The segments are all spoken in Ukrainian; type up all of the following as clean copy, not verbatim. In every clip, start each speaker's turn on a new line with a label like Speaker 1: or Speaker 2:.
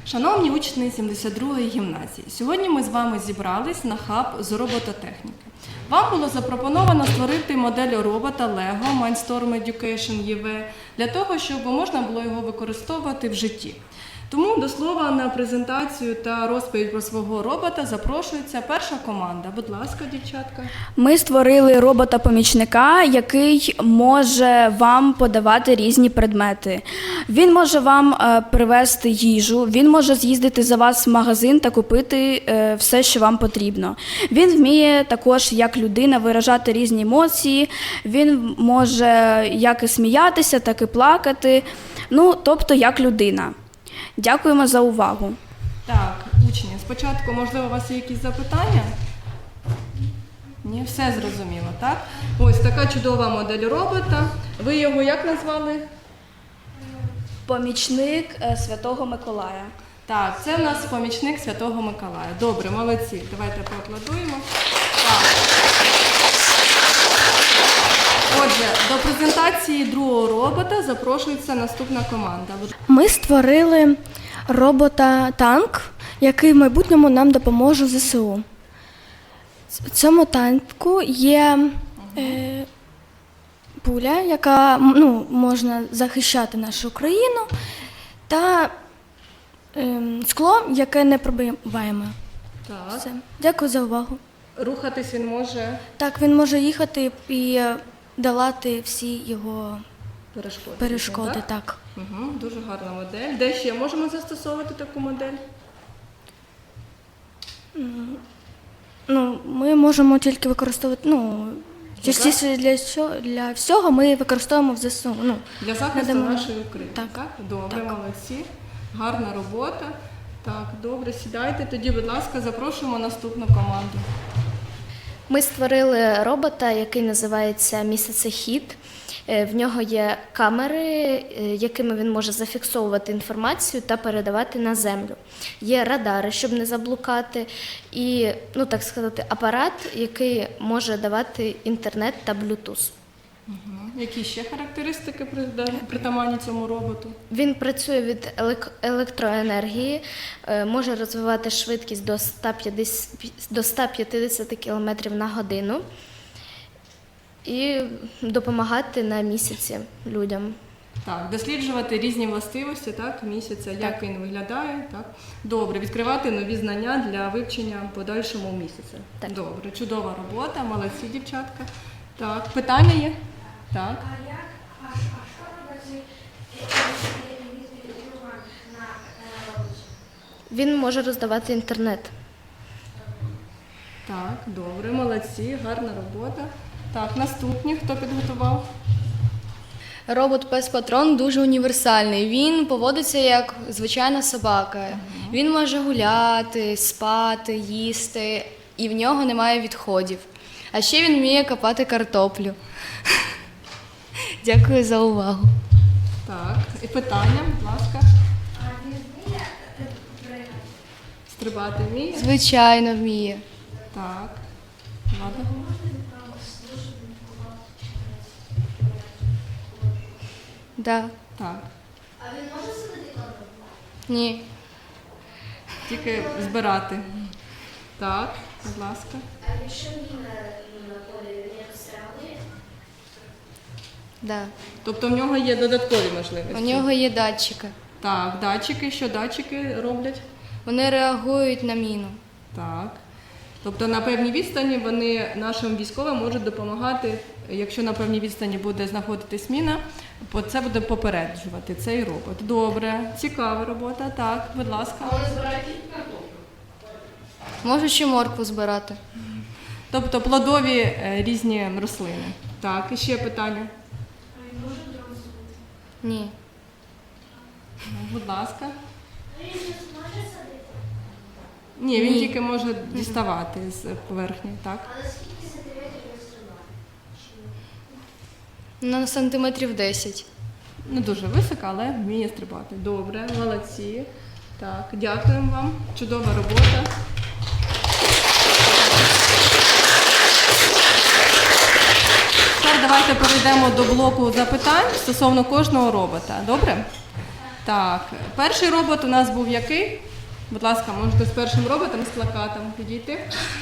Speaker 1: Шановні учні 72-ї гімназії, сьогодні ми з вами зібрались на хаб з робототехніки. Вам було запропоновано створити модель робота LEGO Mindstorm Education EV для того, щоб можна було його використовувати в житті. Тому до слова на презентацію та розповідь про свого робота запрошується перша команда. Будь ласка, дівчатка.
Speaker 2: Ми створили робота-помічника, який може вам подавати різні предмети. Він може вам привезти їжу, він може з'їздити за вас в магазин та купити все, що вам потрібно. Він вміє також, як людина, виражати різні емоції, він може як і сміятися, так і плакати, тобто як людина. Дякуємо за увагу.
Speaker 1: Так, учні, спочатку, можливо, у вас є якісь запитання? Ні, все зрозуміло, так? Ось така чудова модель робота. Ви його як назвали?
Speaker 2: Помічник Святого Миколая.
Speaker 1: Так, це в нас помічник Святого Миколая. Добре, молодці. Давайте поаплодуємо. Так. Отже, до презентації другого робота запрошується наступна команда.
Speaker 3: Ми створили робота-танк, який в майбутньому нам допоможе в ЗСУ. В цьому танку є пуля, яка можна захищати нашу країну, та скло, яке не пробиваємо.
Speaker 1: Так.
Speaker 3: Все. Дякую за увагу.
Speaker 1: Рухатись він може?
Speaker 3: Так, він може їхати і долати всі його перешкоди. Так.
Speaker 1: Угу, дуже гарна модель. Де ще можемо застосовувати таку модель?
Speaker 3: Ми можемо тільки використовувати, частіше для всього ми використовуємо в ЗСУ.
Speaker 1: Для захисту нашої України.
Speaker 3: Так.
Speaker 1: Добре,
Speaker 3: Так.
Speaker 1: молодці. Гарна робота. Так, добре, сідайте. Тоді, будь ласка, запрошуємо наступну команду.
Speaker 4: Ми створили робота, який називається Місяцехід. В нього є камери, якими він може зафіксовувати інформацію та передавати на землю. Є радари, щоб не заблукати, і, так сказати, апарат, який може давати інтернет та блютуз.
Speaker 1: Які ще характеристики притаманні цьому роботу?
Speaker 4: Він працює від електроенергії, може розвивати швидкість до 150 км на годину і допомагати на місяці людям.
Speaker 1: Так, досліджувати різні властивості місяця, як він виглядає. Так. Добре, відкривати нові знання для вивчення подальшому місяця.
Speaker 4: Так.
Speaker 1: Добре, чудова робота, молодці, дівчатка. Так, питання є? Так.
Speaker 5: що робить на роботі?
Speaker 4: Він може роздавати інтернет.
Speaker 1: Так, добре, молодці, гарна робота. Так, наступні, хто підготував?
Speaker 6: Робот-пес-патрон дуже універсальний. Він поводиться як звичайна собака. Він може гуляти, спати, їсти, і в нього немає відходів. А ще він вміє копати картоплю. Дякую за увагу.
Speaker 1: Так, і питання, будь ласка.
Speaker 5: А він вміє пригати?
Speaker 1: Стрибати вміє?
Speaker 6: Звичайно, вміє.
Speaker 1: Так. Ладно.
Speaker 6: Да.
Speaker 1: Так.
Speaker 5: А він може сидіти картоплю?
Speaker 6: Ні.
Speaker 1: Тільки збирати. Так, будь ласка.
Speaker 5: А якщо міна на полі, він якось реагує?
Speaker 6: Да.
Speaker 1: Тобто в нього є додаткові можливості?
Speaker 6: У нього є датчики.
Speaker 1: Так, датчики. Що датчики роблять?
Speaker 6: Вони реагують на міну.
Speaker 1: Так. Тобто на певній відстані вони нашим військовим можуть допомагати, якщо на певній відстані буде знаходитись міна, це буде попереджувати цей робот. Добре, цікава робота. Так, будь ласка.
Speaker 6: Можу ще моркву збирати.
Speaker 1: Тобто плодові різні рослини. Так, і ще питання.
Speaker 6: Ні.
Speaker 1: Будь ласка.
Speaker 5: Він може садити?
Speaker 1: Ні, він
Speaker 6: Ні.
Speaker 1: тільки може діставати з поверхні, так?
Speaker 5: А на скільки сантиметрів він стрибає?
Speaker 6: На сантиметрів 10.
Speaker 1: Не дуже високо, але вміє стрибати. Добре, молодці. Так, дякуємо вам. Чудова робота. Тепер давайте перейдемо до блоку запитань стосовно кожного робота. Добре? Так, перший робот у нас був який? Будь ласка, можете з першим роботом, з плакатом підійти.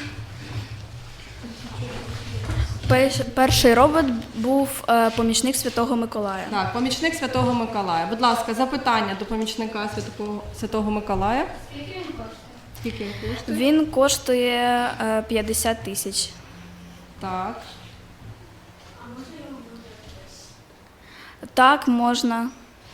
Speaker 2: Перший робот був помічник Святого Миколая.
Speaker 1: Так, помічник Святого Миколая. Будь ласка, запитання до помічника Святого Миколая. Скільки він коштує?
Speaker 2: Він коштує 50 тисяч.
Speaker 1: Так.
Speaker 2: Так, можна.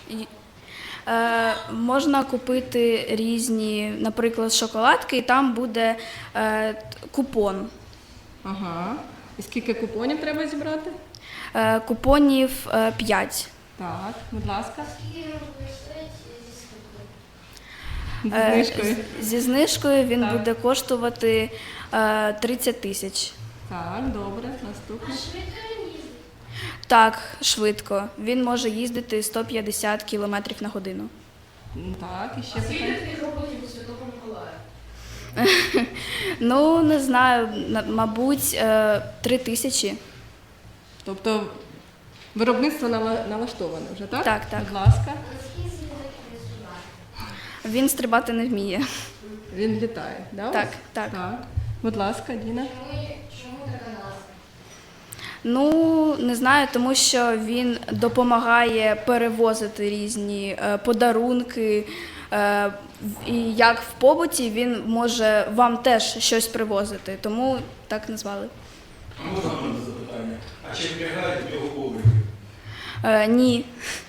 Speaker 2: Можна купити різні, наприклад, шоколадки, і там буде купон.
Speaker 1: Ага. І скільки купонів треба зібрати?
Speaker 2: Купонів 5.
Speaker 1: Так, будь ласка.
Speaker 5: Скільки він буде стоїть зі скидкою?
Speaker 1: Зі знижкою.
Speaker 2: Зі знижкою він
Speaker 1: Так.
Speaker 2: буде коштувати 30 тисяч.
Speaker 1: Так, добре, наступне.
Speaker 5: Швидко він їздить?
Speaker 2: Так, швидко. Він може їздити 150 км на годину.
Speaker 1: Так, і ще питання.
Speaker 2: Ну, не знаю, мабуть, 3 тисячі.
Speaker 1: Тобто виробництво налаштоване вже, так?
Speaker 2: Так, так.
Speaker 1: Будь ласка.
Speaker 2: Він стрибати не вміє.
Speaker 1: Він літає, да? у
Speaker 2: Так,
Speaker 1: вас?
Speaker 2: так.
Speaker 1: Так. Будь ласка, Діна.
Speaker 2: Ну, не знаю, тому що він допомагає перевозити різні подарунки. І як в побуті він може вам теж щось привозити, тому так назвали.
Speaker 7: А можна мене запитання? А чи вбігають в його коврики?
Speaker 2: Ні.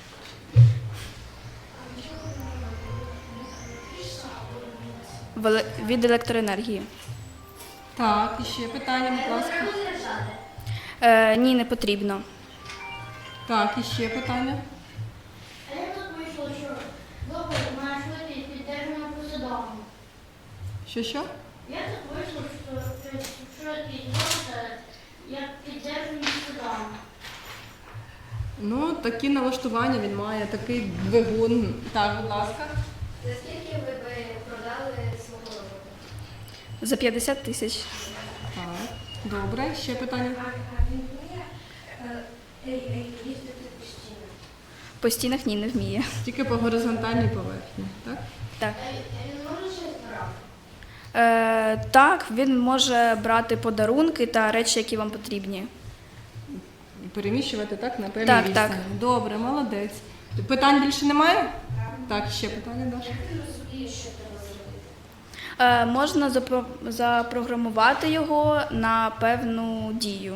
Speaker 2: Від електроенергії.
Speaker 1: Так, і ще питання, будь ласка.
Speaker 2: Ні, не потрібно.
Speaker 1: Так, і ще питання.
Speaker 5: А як тут вийшло, що робот має швидкість підтримана посадову?
Speaker 1: Що?
Speaker 5: Як тут вийшло, що швидкість робота як підтримана посадову?
Speaker 1: Ну, такі налаштування він має, такий двигун. Так, будь ласка.
Speaker 4: За скільки ви би продали свого робота?
Speaker 2: За 50 тисяч.
Speaker 1: Так, добре, ще питання.
Speaker 2: По стінах ні, не вміє.
Speaker 1: Тільки по горизонтальній поверхні, так?
Speaker 2: Так.
Speaker 5: Він може щось брати?
Speaker 2: Так, він може брати подарунки та речі, які вам потрібні.
Speaker 1: І переміщувати так на певній
Speaker 2: Так,
Speaker 1: відстані.
Speaker 2: так.
Speaker 1: Добре, молодець. Питань більше немає? Так, ще питання, Даша.
Speaker 2: Можна запрограмувати його на певну дію.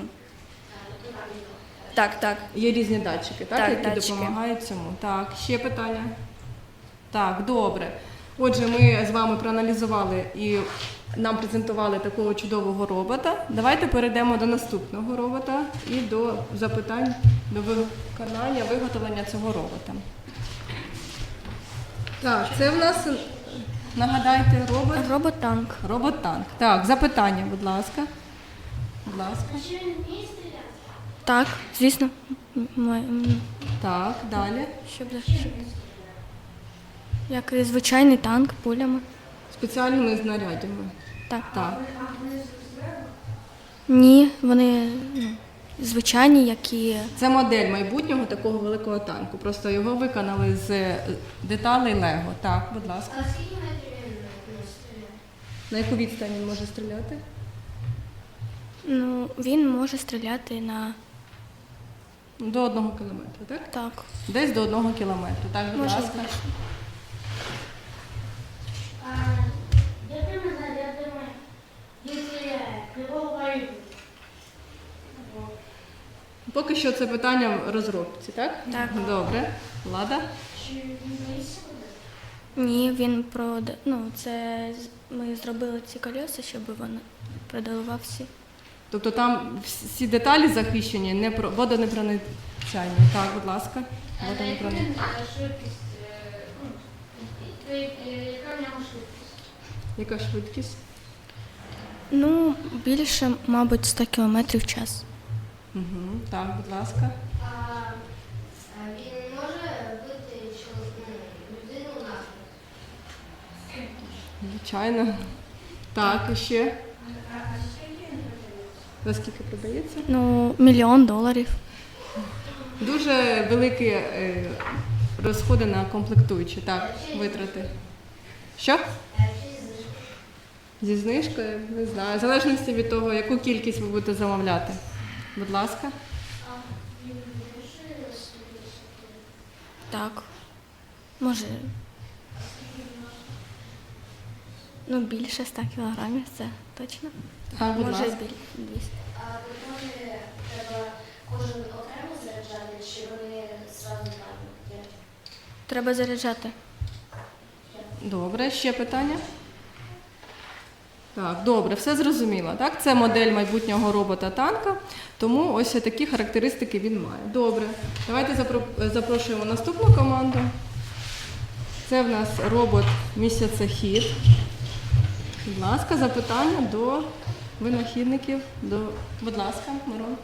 Speaker 2: Так, так.
Speaker 1: Є різні датчики, так,
Speaker 2: Так,
Speaker 1: які
Speaker 2: датчики.
Speaker 1: допомагають цьому. Так, ще питання. Так, добре. Отже, ми з вами проаналізували і нам презентували такого чудового робота. Давайте перейдемо до наступного робота і до запитань до виконання, виготовлення цього робота. Так, це в нас, нагадайте, робот.
Speaker 3: Робот-танк.
Speaker 1: Робот-танк. Так, запитання, будь ласка. Будь ласка.
Speaker 5: Чи він вміє стріляти?
Speaker 3: Так, звісно.
Speaker 1: Так, далі.
Speaker 3: Щоб як і звичайний танк пулями.
Speaker 1: Спеціальними знаряддями.
Speaker 3: Так.
Speaker 1: Так.
Speaker 3: Ні, вони звичайні, які.
Speaker 1: Це модель майбутнього такого великого танку. Просто його виконали з деталей Лего. Так, будь ласка.
Speaker 5: А скільки метрів він може стріляти?
Speaker 1: На яку відстань він може стріляти?
Speaker 3: Ну, він може стріляти на
Speaker 1: До 1 кілометра, так?
Speaker 3: так.
Speaker 1: Десь до 1 кілометра. Так, будь
Speaker 3: Може,
Speaker 1: ласка.
Speaker 3: більше.
Speaker 5: Якими зарядами він стріляє? Якого калібру?
Speaker 1: Поки що це питання в розробці, так?
Speaker 3: Так.
Speaker 1: Добре. Влада?
Speaker 5: Чи він боїться води?
Speaker 3: Ні, він це ми зробили ці колеса, щоб він продавав всі.
Speaker 1: Тобто там всі деталі захищені, водонепроницяння. Так, будь ласка. Водонепроницяння.
Speaker 5: Швидкість, яка в нього швидкість?
Speaker 1: Яка швидкість?
Speaker 3: Ну, більше, мабуть, 100 км в час.
Speaker 1: Угу. Так, будь ласка.
Speaker 5: Він може бити людину навіть?
Speaker 1: Звичайно. Так, і ще. За скільки продається?
Speaker 3: Ну, $1 мільйон.
Speaker 1: Дуже великі розходи на комплектуючі. Так, витрати. Що? Зі знижкою? Не знаю. В залежності від того, яку кількість ви будете замовляти. Будь ласка.
Speaker 3: Так. Може. Ну, більше 100 кілограмів, це точно.
Speaker 1: Так, будь
Speaker 3: Може,
Speaker 1: ласка.
Speaker 3: 200.
Speaker 4: А виходить, треба кожен окремо заряджати, чи вони зразу там?
Speaker 3: Треба заряджати.
Speaker 1: Добре, ще питання? Так, добре, все зрозуміло. Так, це модель майбутнього робота-танка, тому ось такі характеристики він має. Добре, давайте запрошуємо наступну команду. Це в нас робот місяцехід. Будь ласка, запитання до винахідників. Будь ласка, Мирон.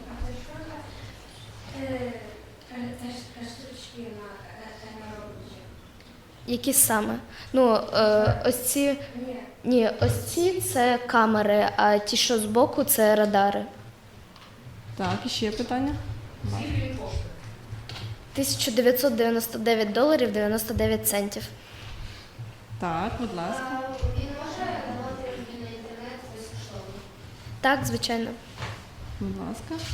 Speaker 4: Які саме? Ну, ось ці. Ні, ось ці це камери, а ті, що збоку, це радари.
Speaker 1: Так, і ще питання.
Speaker 4: $1999 99 центів.
Speaker 1: Так, будь ласка.
Speaker 4: Він може давати на інтернет безкоштовно? Так, звичайно.
Speaker 1: Будь ласка.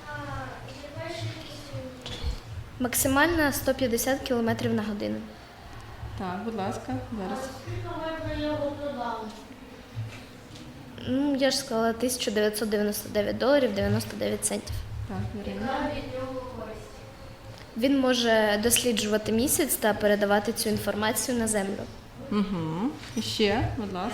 Speaker 4: Максимально 150 км на годину.
Speaker 1: Так, будь ласка, зараз.
Speaker 5: Скільки можна його продати?
Speaker 4: Ну, я ж сказала, $1999 99 центів.
Speaker 1: Так, Ірина.
Speaker 4: Він може досліджувати місяць та передавати цю інформацію на Землю.
Speaker 1: Угу. І ще, будь ласка.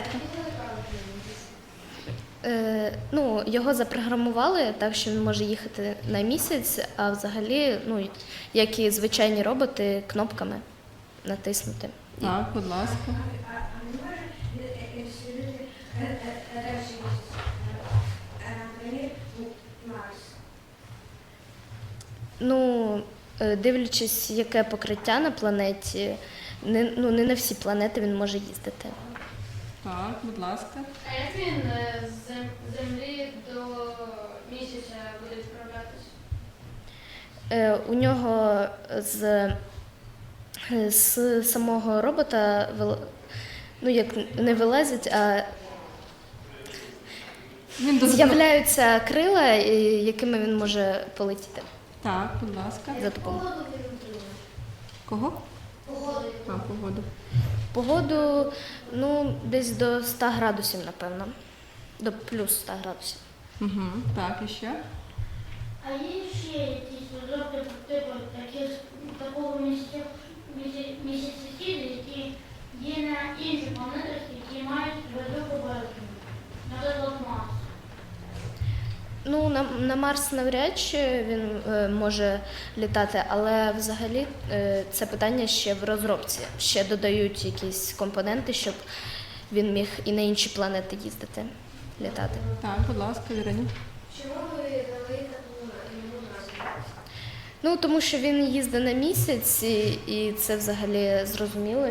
Speaker 4: Ну, його запрограмували так, що він може їхати на місяць, а взагалі, ну, як і звичайні роботи, кнопками натиснути.
Speaker 1: Так, будь ласка.
Speaker 4: Ну, дивлячись, яке покриття на планеті, не на всі планети він може їздити.
Speaker 1: Так, будь ласка.
Speaker 5: А як він з Землі до місяця буде відправлятися?
Speaker 4: У нього з самого робота ну, як не вилазять, а з'являються крила, якими він може полетіти
Speaker 1: Так, будь ласка.
Speaker 4: за допомогою.
Speaker 1: Кого? Погоду.
Speaker 4: Погоду, ну, десь до 100 градусів, напевно. До плюс 100 градусів.
Speaker 1: Угу. Так, і ще?
Speaker 5: А є ще якісь розробки типу такого місяцехіду, які є на інших планетах, які мають велику поверхню, наприклад, Марс.
Speaker 4: Ну, на Марс навряд чи він може літати, але взагалі це питання ще в розробці. Ще додають якісь компоненти, щоб він міг і на інші планети їздити, літати.
Speaker 1: Так, будь ласка, Віроні.
Speaker 4: Чому ви дали таку йому назву? Ну, тому що він їздить на місяць, і це взагалі зрозуміло,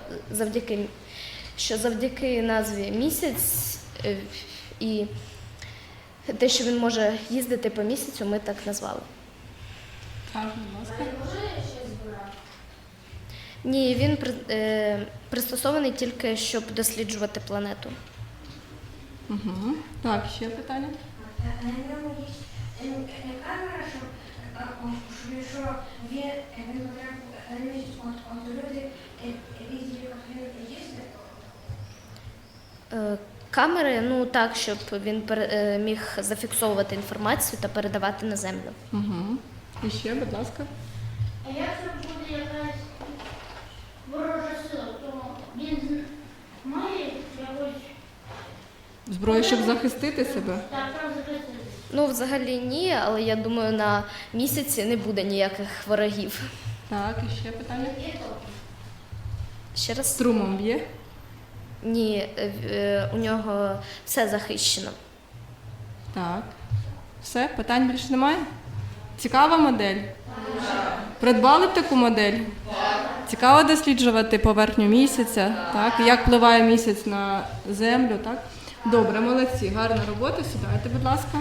Speaker 4: що завдяки назві місяць і те, що він може їздити по місяцю, ми так назвали.
Speaker 1: Так, будь ласка.
Speaker 4: Ні, він пристосований тільки, щоб досліджувати планету.
Speaker 1: Угу. Так, ще питання?
Speaker 8: На ньому є не камера, що він потрапив от люди різні їздять.
Speaker 4: Камери, ну так, щоб він міг зафіксовувати інформацію та передавати на Землю.
Speaker 1: Угу. І ще, будь ласка.
Speaker 5: А як це буде якась ворожа сила, то він має якось
Speaker 1: Зброю, щоб захистити себе?
Speaker 5: так захистити?
Speaker 4: Ну, взагалі ні, але я думаю, на місяці не буде ніяких ворогів.
Speaker 1: Так, і ще питання?
Speaker 4: Ще раз?
Speaker 1: Струмом б'є?
Speaker 4: Ні, у нього все захищено.
Speaker 1: Так. Все, питань більше немає? Цікава модель? Придбали б таку модель? Цікаво досліджувати поверхню місяця, так? Як впливає місяць на Землю, так? Добре, молодці, гарна робота. Сідайте, будь ласка.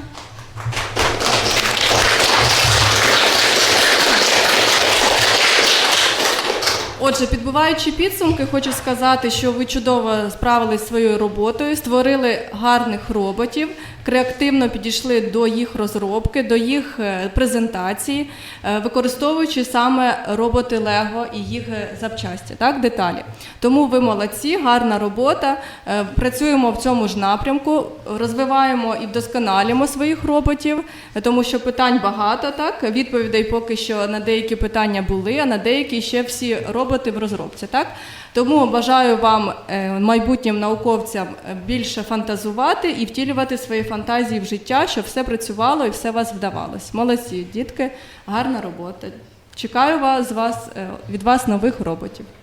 Speaker 1: Отже, підбиваючи підсумки, хочу сказати, що ви чудово справились зі своєю роботою, створили гарних роботів, креативно підійшли до їх розробки, до їх презентації, використовуючи саме роботи Лего і їх запчасті, так, деталі. Тому ви молодці, гарна робота, працюємо в цьому ж напрямку, розвиваємо і вдосконалюємо своїх роботів, тому що питань багато, так, відповідей поки що на деякі питання були, а на деякі ще всі роботи в розробці, так. Тому бажаю вам, майбутнім науковцям, більше фантазувати і втілювати свої фантазії в життя, щоб все працювало і все у вас вдавалось. Молодці, дітки, гарна робота. Чекаю від вас нових роботів.